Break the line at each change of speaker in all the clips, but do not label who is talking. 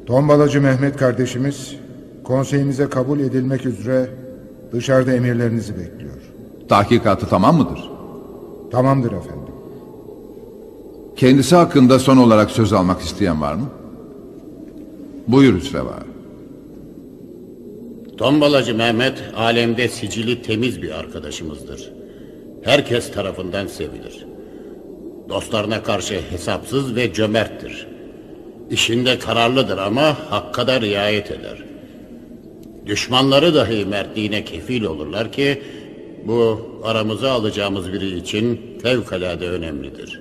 Tombalacı Mehmet kardeşimiz konseyimize kabul edilmek üzere dışarıda emirlerinizi bekliyor.
Tahkikatı tamam mıdır?
Tamamdır efendim.
Kendisi hakkında son olarak söz almak isteyen var mı? Buyur Hüsreva.
Tombalacı Mehmet alemde sicili temiz bir arkadaşımızdır. Herkes tarafından sevilir. Dostlarına karşı hesapsız ve cömerttir. İşinde kararlıdır ama hakka da riayet eder. Düşmanları dahi mertliğine kefil olurlar ki bu aramıza alacağımız biri için fevkalade önemlidir.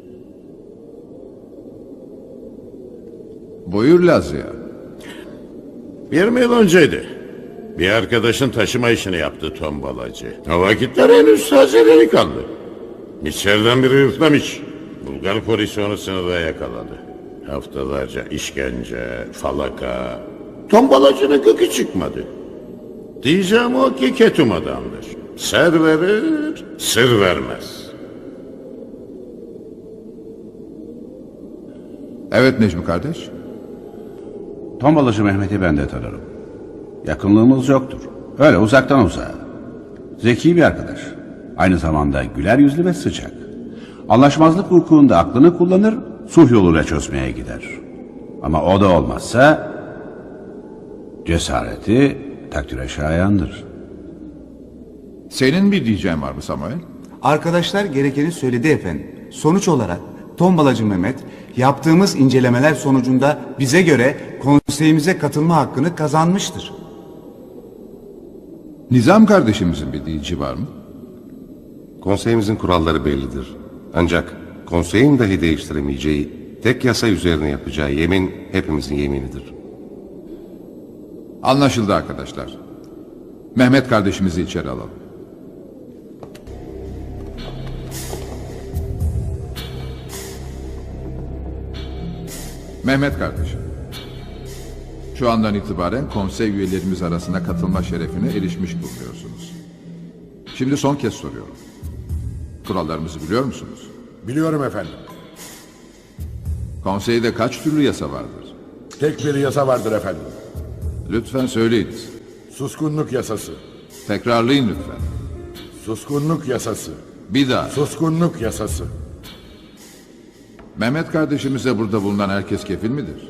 Buyur Lazya.
20 yıl önceydi. Bir arkadaşın taşıma işini yaptı tombalacı. O vakitler henüz taze delikanlı. İçeriden biri yırtlamış. Bulgar polisi onu sınırda yakaladı. Haftalarca işkence, falaka. Tombalacının gıkı çıkmadı. Diyeceğim o ki ketum adamdır. Ser verir, sır vermez.
Evet Necmi kardeş.
Tombalacı Mehmet'i ben de tanırım. Yakınlığımız yoktur. Öyle uzaktan uzağa. Zeki bir arkadaş. Aynı zamanda güler yüzlü ve sıcak. Anlaşmazlık vukuunda aklını kullanır, sulh yoluyla çözmeye gider. Ama o da olmazsa cesareti takdire şayandır.
Senin bir diyeceğin var mı Samuel?
Arkadaşlar gerekeni söyledi efendim. Sonuç olarak Tombalacı Mehmet yaptığımız incelemeler sonucunda bize göre konseyimize katılma hakkını kazanmıştır.
Nizam kardeşimizin bir diyeceği var mı?
Konseyimizin kuralları bellidir. Ancak konseyin dahi değiştiremeyeceği, tek yasa üzerine yapacağı yemin hepimizin yeminidir.
Anlaşıldı arkadaşlar. Mehmet kardeşimizi içeri alalım. Mehmet kardeşim, şu andan itibaren konsey üyelerimiz arasına katılma şerefine erişmiş bulunuyorsunuz. Şimdi son kez soruyorum. Kurallarımızı biliyor musunuz?
Biliyorum efendim.
Konseyde kaç türlü yasa vardır?
Tek bir yasa vardır efendim.
Lütfen söyleyiniz.
Suskunluk yasası.
Tekrarlayın lütfen.
Suskunluk yasası.
Bir daha.
Suskunluk yasası.
Mehmet kardeşimize burada bulunan herkes kefil midir?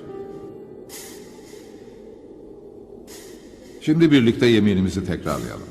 Şimdi birlikte yeminimizi tekrarlayalım.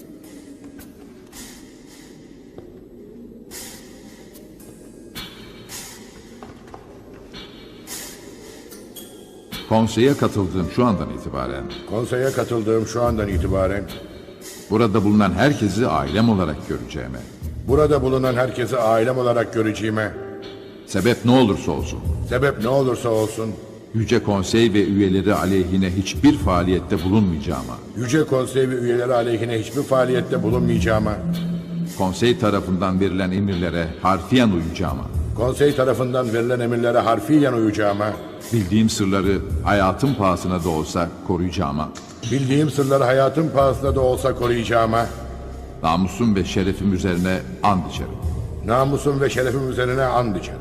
Konseye katıldığım şu andan itibaren
Konseye katıldığım şu andan itibaren
burada bulunan herkesi ailem olarak göreceğime,
burada bulunan herkesi ailem olarak göreceğime,
sebep ne olursa olsun,
sebep ne olursa olsun,
Yüce Konsey ve üyeleri aleyhine hiçbir faaliyette bulunmayacağıma,
Yüce Konsey ve üyeleri aleyhine hiçbir faaliyette bulunmayacağıma,
konsey tarafından verilen emirlere harfiyen uyacağıma,
konsey tarafından verilen emirlere harfiyen uyacağıma,
bildiğim sırları hayatım pahasına da olsa koruyacağıma,
bildiğim sırları hayatım pahasına da olsa koruyacağıma,
namusum ve şerefim üzerine and içerim.
namusum ve şerefim üzerine and içerim.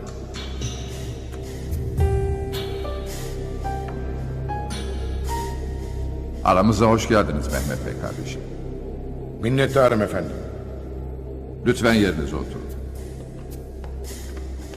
Aramıza hoş geldiniz Mehmet Bey kardeşim.
Minnettarım efendim.
Lütfen yerinize oturun.